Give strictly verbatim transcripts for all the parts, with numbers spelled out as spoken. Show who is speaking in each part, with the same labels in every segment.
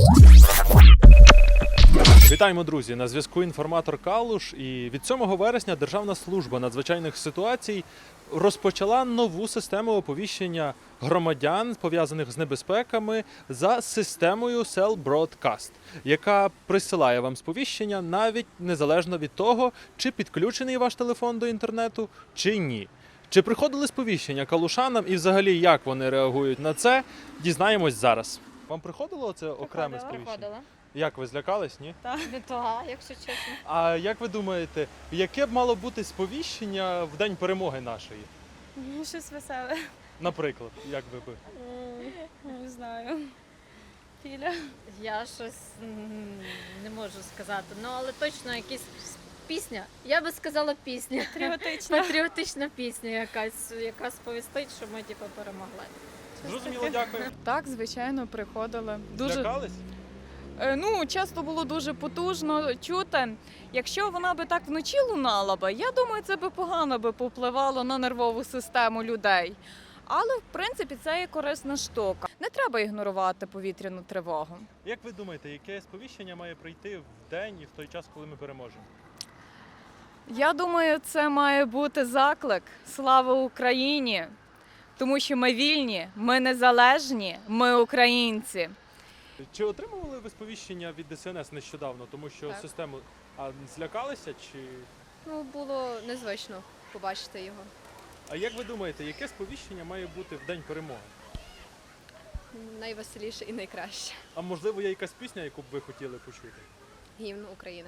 Speaker 1: Вітаємо, друзі! На зв'язку інформатор Калуш. І від сьомого вересня Державна служба надзвичайних ситуацій розпочала нову систему оповіщення громадян, пов'язаних з небезпеками, за системою Cell Broadcast, яка присилає вам сповіщення навіть незалежно від того, чи підключений ваш телефон до інтернету, чи ні. Чи приходили сповіщення калушанам і взагалі як вони реагують на це, дізнаємось зараз. Вам приходило це окреме сповіщення?
Speaker 2: Приходила.
Speaker 1: Як, ви злякались, ні?
Speaker 2: Так, не то, якщо чесно.
Speaker 1: А як ви думаєте, яке б мало бути сповіщення в день перемоги нашої?
Speaker 3: Ну, щось веселе.
Speaker 1: Наприклад, як ви би?
Speaker 3: Не знаю. Філя.
Speaker 2: Я щось м, не можу сказати. Ну, але точно якась пісня. Я би сказала пісня.
Speaker 3: Патріотична.
Speaker 2: Патріотична пісня якась, яка сповістить, що ми типу перемогли.
Speaker 1: Зрозуміло, дякую.
Speaker 4: Так, звичайно, приходили. Дуже
Speaker 1: Злякались?
Speaker 4: Е, ну, часто було дуже потужно чути. Якщо вона би так вночі лунала би, я думаю, це би погано би попливало на нервову систему людей. Але в принципі це є корисна штука. Не треба ігнорувати повітряну тривогу.
Speaker 1: Як ви думаєте, яке сповіщення має прийти в день і в той час, коли ми переможемо?
Speaker 4: Я думаю, це має бути заклик «Слава Україні!», тому що ми вільні, ми незалежні, ми українці.
Speaker 1: Чи отримували ви сповіщення від Де Ес Ен Ес нещодавно, тому що
Speaker 5: Так.
Speaker 1: систему а злякалися чи
Speaker 5: Ну, було незвично побачити його.
Speaker 1: а як ви думаєте, яке сповіщення має бути в день перемоги?
Speaker 5: Найвеселіше і найкраще.
Speaker 1: А можливо, є якась пісня, яку б ви хотіли почути?
Speaker 5: Гімн України.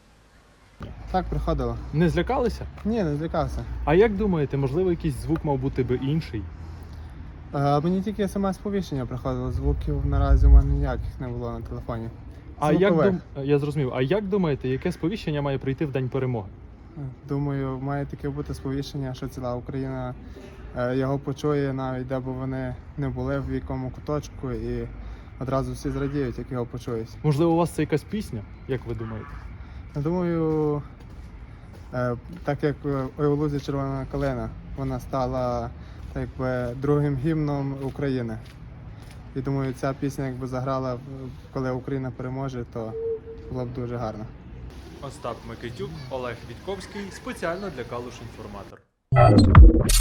Speaker 6: Так, приходило.
Speaker 1: Не злякалися?
Speaker 6: Ні, не злякався.
Speaker 1: А як думаєте, можливо, якийсь звук мав бути би інший?
Speaker 6: Е, мені тільки смс-повіщення приходило, звуків наразі у мене ніяких не було на телефоні.
Speaker 1: А як
Speaker 6: Звукових.
Speaker 1: дум... я зрозумів. А як думаєте, яке сповіщення має прийти в день перемоги?
Speaker 6: Думаю, має таке бути сповіщення, що ціла Україна е, його почує, навіть де б вони не були, в якому куточку, і одразу всі зрадіють, як його почують.
Speaker 1: Можливо, у вас це якась пісня, як ви думаєте?
Speaker 6: Я думаю, е, так як «Ой у лузі червона калина», вона стала так якби другим гімном України. І думаю, ця пісня якби заграла, коли Україна переможе, то було б дуже гарно.
Speaker 1: Остап Микитюк, Олег Вітковський, спеціально для Калуш Інформатор.